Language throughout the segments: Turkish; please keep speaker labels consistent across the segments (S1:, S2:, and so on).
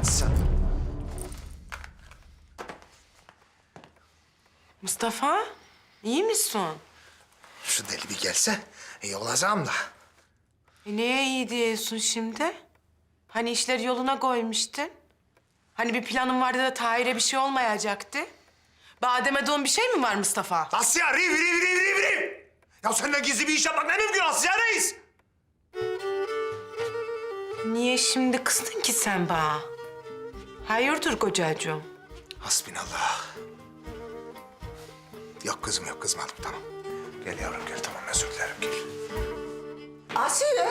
S1: sen.
S2: Mustafa, iyi misin?
S1: Şu deli bir gelse iyi olacağım da.
S2: Neye iyi diyorsun şimdi? Hani işleri yoluna koymuştun? Hani bir planın vardı da Tahir'e bir şey olmayacaktı? Badem'e bir şey mi var Mustafa?
S1: Asya, riv! Ya seninle gizli bir iş yapmak ne mümkün Asya Reis?
S2: Niye şimdi kızdın ki sen bana? Hayırdır kocacığım?
S1: Hasbinallah. Yok kızım yok, kızmadım tamam. Gel yavrum gel, tamam özür dilerim gel.
S3: Asiye.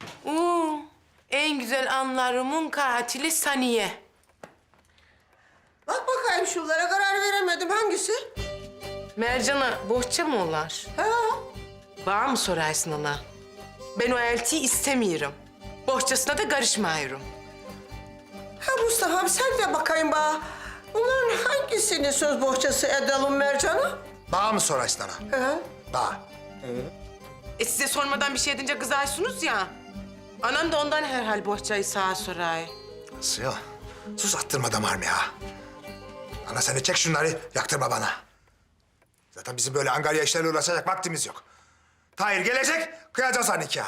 S2: En güzel anlarımın katili Saniye.
S3: Bak bakayım şunlara karar veremedim. Hangisi?
S2: Mercan'a bohça mı olar?
S3: Ha.
S2: Bana mı sorarsın ona? Ben o eltiyi istemiyorum. Bohçasına da karışmıyorum.
S3: Ha Mustafa sen de bakayım bana. Bunların hangisini söz bohçası edelim Mercan'a?
S1: Bağ mı sorarsın ana?
S3: Ha.
S1: Bağ.
S2: Size sormadan bir şey edince kızarsınız ya. Anam da ondan herhal bohçayı sağa soray.
S1: Asya, sus attırma damarımı ya. Ana sen de çek şunları, yaktırma bana. Zaten bizim böyle angarya işlerle uğraşacak vaktimiz yok. Tahir gelecek, kıyacağız ha nikahı.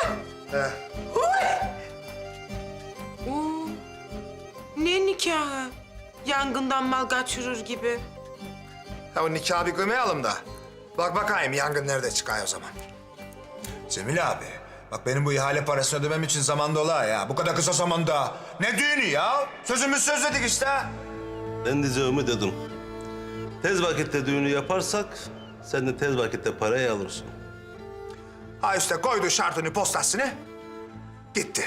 S2: Ne nikahı? Yangından mal kaçırır gibi.
S1: Ya o nikahı bir kıymayalım da. Bak bakayım yangın nerede çıkıyor o zaman. Cemil abi, bak benim bu ihale parasını ödemem için zaman dola ya. Bu kadar kısa zamanda. Ne düğünü ya? Sözümüz söz dedik işte.
S4: Ben diyeceğimi dedim. Tez vakitte düğünü yaparsak sen de tez vakitte parayı alırsın.
S1: Ha işte koydu şartını postasını. Gitti.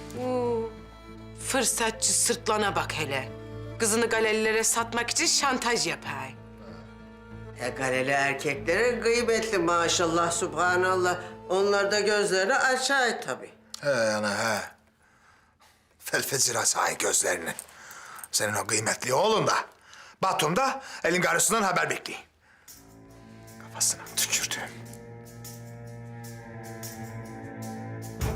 S2: Fırsatçı sırtlana bak hele. Kızını galelilere satmak için şantaj yapay.
S3: Galeli erkeklere gıybetli maşallah subhanallah. Onlar da gözlerini açay tabii.
S1: He ana he. Felfezira sahi gözlerini. Senin o kıymetli oğlun da. Batum'da elin karısından haber bekliyor. Kafasına tükürdüm.